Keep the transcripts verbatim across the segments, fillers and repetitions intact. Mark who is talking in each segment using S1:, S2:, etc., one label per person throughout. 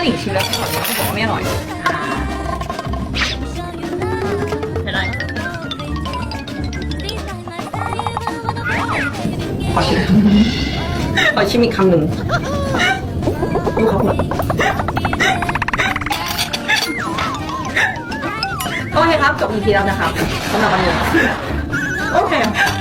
S1: หลิงชิมแล้วเขาบอกว่าไม่อร่อยไม่ได้ขอชิมขอชิมอีกคำหนึ่งดูเขาหน่อยโอเคครับจบ อี พี แล้วนะครับสำหรับวันนี้โอเค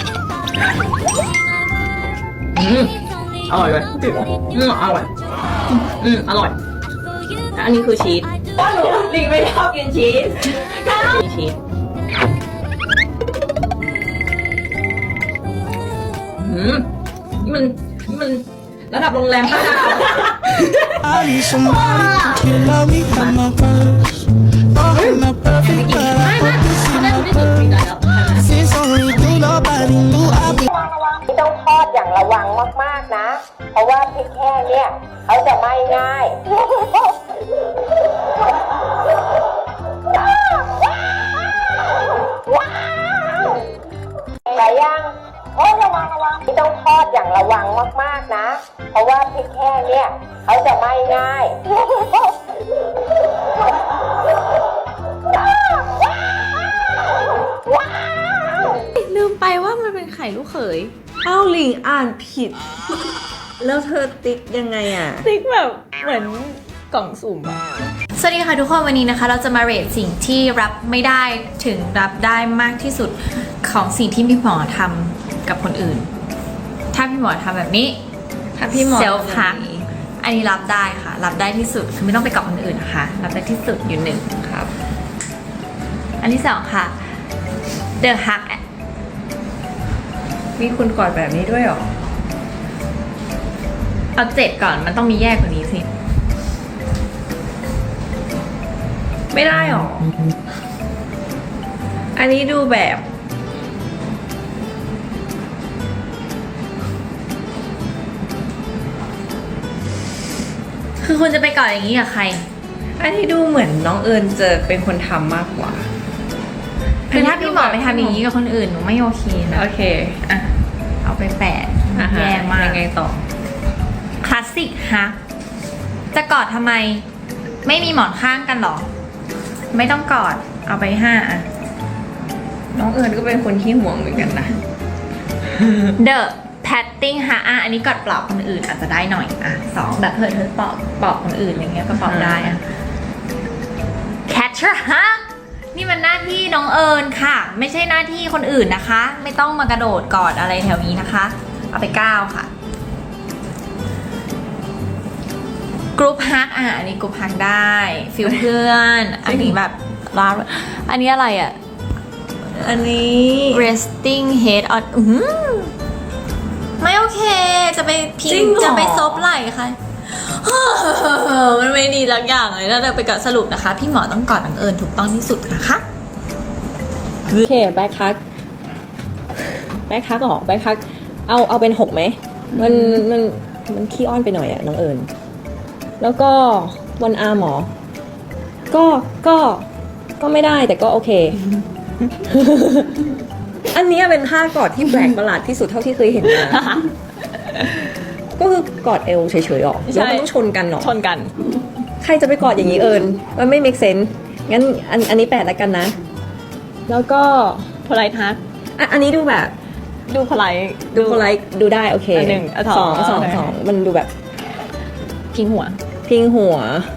S1: อืมอร่อยเลยจืดอืมอร่อยอืมอร่อยอันนี้คือชีสว่าหนูลิงไม่ชอบกินชีสมีชีสอืมมันมันระดับโรงแรมห้าดาว ไม่ไม่เขาได้ไม่จุดมีใจแล้ว
S2: ต้องทอดอย่างระวังมากๆนะเพราะว่าพริกแห้งเนี่ยเขาจะไหม้ง่ายไก่ย่างโอ้ระวังระวังต้องทอดอย่างระวังมากๆนะเพราะว่าพริกแห้งเนี่ยเขาจะไหม้ง่าย
S3: ลืมไปว่ามันเป็นไข่ลูกเขยอ้าวหลิงอ่านผิดแล้วเธอติ๊กยังไงอ่ะติ๊กแบบเหมือนกล่องสุ่มอะ
S4: สวัสดีค่ะทุกคนวันนี้นะคะเราจะมาเรทสิ่งที่รับไม่ได้ถึงรับได้มากที่สุดของสิ่งที่พี่หมอทำกับคนอื่นถ้าพี่หมอทำแบบนี้ถ้าพี่หมอเซลฟ์ฮักอันนี้รับได้ค่ะรับได้ที่สุดคือไม่ต้องไปกับคนอื่นนะคะรับได้ที่สุดอยู่หนึ่งครับอันที่สองค่ะ The Hug
S3: มีคุณกอดแบบนี้ด้วยหรอ
S4: เอาเจ็ดก่อนมันต้องมีแยกกว่านี้สิ
S3: ไม่ได้หรออันนี้ดูแบบ
S4: คือคุณจะไปก่อนอย่างนี้กับใคร
S3: อันนี้ดูเหมือนน้องเอิญจะเป็นคนทำมากกว่า
S4: คือถ้าพี่หมอไปทำอย่างนี้กับคนอื่นหนูไม่โอเคนะ
S3: โอเคอ่ะ
S4: เอาไปแปะแย่มาก
S3: ยังไงต่อ
S4: คลาสสิกฮักจะกอดทำไมไม่มีหมอนข้างกันหรอไม่ต้องกอดเอาไปห้าอ่ะ
S3: น้องเอิญก็เป็นคนที่ห่วงเหมือนกันนะ
S4: The Patting ฮะอ่ะอันนี้กอดปลอบคนอื่นอาจจะได้หน่อยอ่ะสองแบบเธอเธอปลอบปลอบคนอื่นอย่างเงี้ยก็ปลอบได้อ่ะ Catcher ฮะนี่มันหน้าที่น้องเอิญค่ะไม่ใช่หน้าที่คนอื่นนะคะไม่ต้องมากระโดดกอดอะไรแถวนี้นะคะเอาไปเก้าค่ะกรุ๊ปฮักอ่ะอันนี้กรุ๊ปฮักได้ฟิลเพื่อนอันนี้แบบร้านอันนี้อะไรอ่ะ
S3: อันนี้
S4: resting head on อืมไม่โอเคจะไปพิงจะไปซบไหล่ค่ะมันไม่ดีสักอย่างเลยแล้วเราไปกับสรุปนะคะพี่หมอต้องกอดน้องเอิญถูกต้องที่สุดนะคะ
S3: โอเคแบ็คคักแบ็คคักหรอแบ็คคักเอาเอาเป็นหกไหมมันมันมันขี้อ้อนไปหน่อยอะน้องเอิญแล้วก็วันอาร์หมอก็ก็ก็ไม่ได้แต่ก็โอเค อันนี้เป็นท่ากอดที่แปลกประหลาดที่สุดเท่าที่เคยเห็นมาก็คือกอดเอวเฉยๆหรอแล้วมันต้องชนกันหรอ
S4: ชนกัน
S3: ใครจะไปกอดอย่างนี้เอิญมันไม่ make sense งั้นอันอันนี้แปดแล้วกันนะแล้วก็
S4: พลายทัก
S3: อันนี้ดูแบบ
S4: ดูพลาย
S3: ดูพลายดูได้โอเค
S4: หนึ่ง
S3: สองสองสองมันดูแบบ
S4: พิงหัว
S3: พิงหัว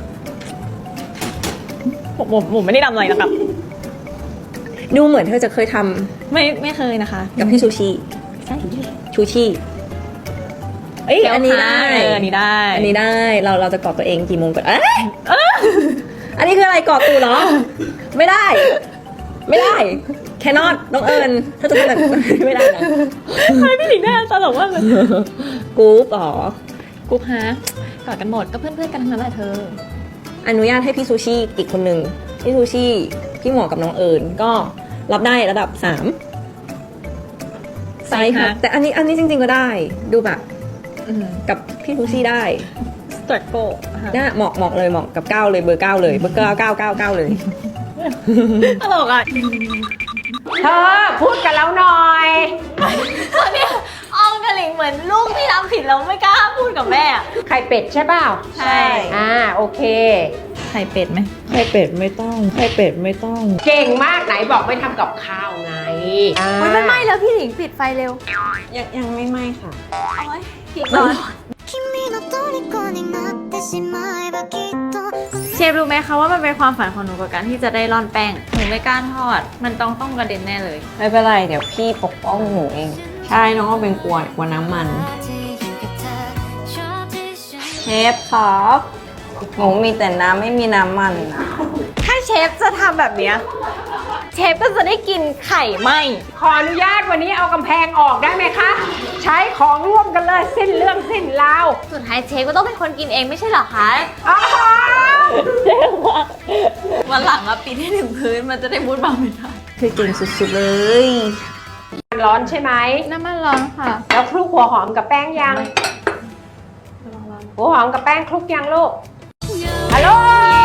S4: ผมผมผมไม่ได้ทำอะไรนะครับ
S3: ดูเหมือนเธอจะเคยทำ
S4: ไม่ไม่เคยนะคะ
S3: กับพี่ซูชิ
S4: ใช่
S3: ชูชิเอ้ยอันนี้ได้
S4: อันนี้ได้
S3: อันนี้ได้เราเราจะกอดตัวเองกี่โมงก่อนเอ๊ะอันนี้คืออะไรกอดตูเหรอไม่ได้ไม่ได้แคนอตน้องเอิญถ้าจะเป็นแบบไม่ได้นะ
S4: ทำไมพี่หลิงได้ตลกมากเลย
S3: กรุ๊ปหรอ
S4: กรุ๊ปฮะกอดกันหมดก็เพื่อนๆกันทั้งนั้นแหละเธอ
S3: อนุญาตให้พี่ซูชิอีกคนหนึ่งพี่ซูชิพี่หมอกับน้องเอิญก็รับได้ระดับสามไซส์ค่ะแต่อันนี้อันนี้จริงๆก็ได้ดูแบบกับพี่ซูชิได้
S4: สตรโก้
S3: น่าเหมาะเหมาะเลยเหมาะกับเก้าเลยเบอร์เก้าเลยเบอร์เก้าเก้าเก้าเก้าเลย
S4: ตลกอ่ะ
S2: เธอพูดกันแล้วหน่อย
S4: ตอนนี้อองกับหลิงเหมือนลูกที่ทำผิดแล้วไม่กล้าพูดกับแม่อะ
S2: ไข่เป็ดใช่เปล่า
S4: ใช่
S2: อ่าโอเค
S4: ไข่เป็ดไหม
S3: ไข่เป็ดไม่ต้องไข่เป็ดไม่ต้อง
S2: เก่งมากไหนบอกไม่ทำกับข้าวไงอ่า
S4: มันไม่ไหม้แล้วพี่หลิงปิดไฟเร็ว
S3: ยังยังไม่ไหม้ค่ะ
S4: พี่ก่อนเชฟรู้ไหมคะว่ามันเป็นความฝันของหนูกับการที่จะได้ร่อนแป้งหนูไม่กล้าทอด มันต้องต้องกระเด็นแน่เลย
S3: ไม่เป็นไรเดี๋ยวพี่ปกป้องหนูเอง ใช่น้องก็เป็นกลัวกลัวน้ำมันเชฟครับหนูมีแต่น้ำไม่มีน้ำมันนะ
S4: ถ้าเชฟจะทำแบบเนี้ยเชฟก็จะได้กินไข่ไหม
S2: ขออนุญาตวันนี้เอากำแพงออกได้ไหมคะ ใช้ของร่วมกันเลยสิ้นเรื่องสิ้นราว
S4: สุดท้ายเชฟก็ต้องเป็นคนกินเองไม่ใช่เหรอคะ
S2: อ๋อ
S4: วันหลังอะปีนให้ถึงพื้นมันจะได้มุดบางไม่ได้
S3: คือเก่งสุดๆเลย
S2: มันร้อนใช่ไหม
S4: น้ำมันร้อนค่ะ
S2: แล้วคลุกหัวหอมกับแป้งยัง หัวหอมกับแป้งคลุกยังลูก ฮัลโหล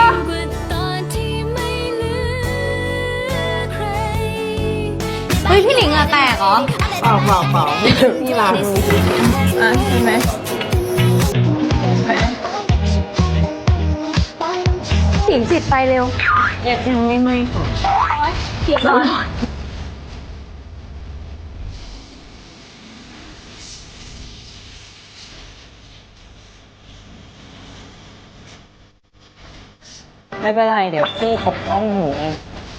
S4: เฮ้ยพี่หลิงเหงื่อแตกเหรอ
S3: เปล่าเปล่าเปล่าพี่ล้างมือ
S4: อ่ะเห็นไหมหลิงปิดไฟเร็ว
S3: ยังยังไม่ไหม้ค่ะ
S4: ผิดร้อน
S3: ไม่เป็นไรเดี๋ยวพี่ปกป้องหนูเอง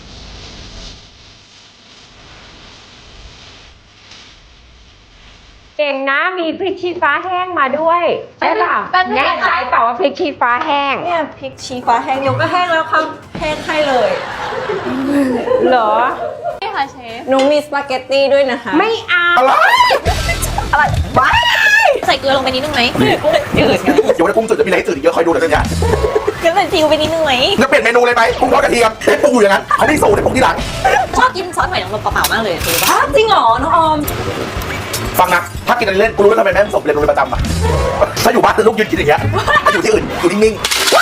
S2: เก่งนะ มีพริกชี้ฟ้าแห้งมาด้วยใช่ป่ะ
S4: แป๊บนึง
S2: แน่ใจเปล่าว่าพริกชี้ฟ้าแห้ง
S3: เนี่ยพริกชี้ฟ้าแห้งเดี๋ยวก็แห้งแล้วครับแห้งให้เลย
S2: เหรอ
S4: นี่ค่ะเชฟ
S3: หนูมีสปาเกตตี้ด้วยนะคะ
S2: ไม่เอา
S3: อะไรบ้า
S4: ใส่เกลือลงไปนิดนึงไหม
S3: จืด
S5: เดี๋ยวในกุ้งจืดจะมีอะไรให้จืดอีกเยอะคอยดูเดี๋ยวเนี่ย
S3: ก็ใส่ซีอิ๊วไปนิดนึงไหม
S5: จะเปลี่ยนเมนูเลยไหมกุ้งทอดกระเทียมเด็ดปรุงอยู่อย่างนั้นเขาไม่สูตรเด็ดปรุงที่หลัง
S4: ชอบกินซอสหอยนางรมเปล่าๆมากเลยคือ
S3: อ้าวจริงเหรอ น้องออม
S5: ฟังนะถ้ากินอะไรเล่นกูรู้ว่าทำไมแม่สมเรียนโรงเรียนประจำอ่ะถ้าอยู่บ้านคือลูกยืนกินอย่างเงี้ยถ้าอยู่ที่อื่นอยู่นิ่งๆ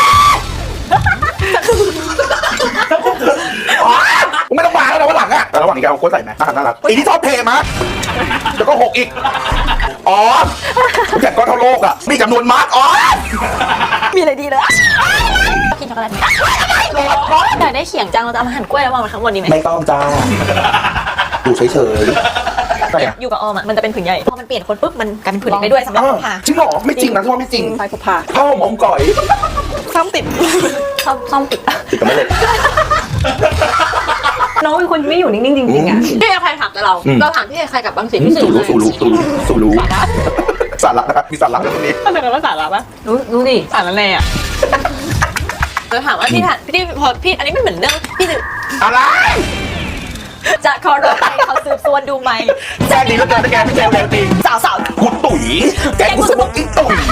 S5: อ๋อมึงไม่ต้องมาแล้วนะวันหลังอ่ะแต่ระหว่างนี้แกเอากล้วยใส่ไหมน่ารักน่ารักอีนี่ชอบเทมาเดี๋ยวก็หกอีกอ๋อแกก้อนเท่าโลกอ่ะมีจำนวนมาร์กอ๋อ
S3: มีอะไรดีเลย
S4: กินช็อกโกแลตไหมอยากได้เขียงจังเราจะเอามาหั่นกล้วยแล้ววางไว้ข้างบนดีไหม
S5: ไม่ต้องจ้าดูเฉยๆใช่อะ
S4: อยู่กับออมอ่ะมันจะเป็นผืนใหญ่พอมันเปลี่ยนคนปุ๊บมันกลายเป็นผืนเล็กได้ด้วยสำหรับพา
S5: จริงเหรอไม่จริงนะที่ว่าไม่จริง
S3: ไฟกุพา
S5: ข้าวหอมก่อย
S3: ซ่อมติดซ่อมซ่อมติด
S5: ติดกันไม่เลย
S3: น้องเป็นคนไม่อยู่นิ่งๆจริงๆอ่ะ
S4: พี่ใครถามแต่เรา
S5: อืม
S4: เราถามพี่ใครกับบางสิ่งที่
S5: สูรู้สูรู้สูรู้สูรู้สาระนะครับมีสาระตรงนี้
S3: มันเป็นภาษาอะไรปะ
S4: รู้รู้ดิ
S3: สารอะไรอ่ะ
S4: เราถามว่าพี่ถามพี่พอพี่อันนี้ไม่เหมือนเรื่องพี่จะ
S5: อะไร
S4: จะคอร์ดไปเขาสืบสวนดูไหม
S5: แจ้งดีแล้วกันนะแกไม่แจ้งแรงตี
S4: สาวสาว
S5: กูตุ๋ยแกกูสมองกิ้งตุ๋ย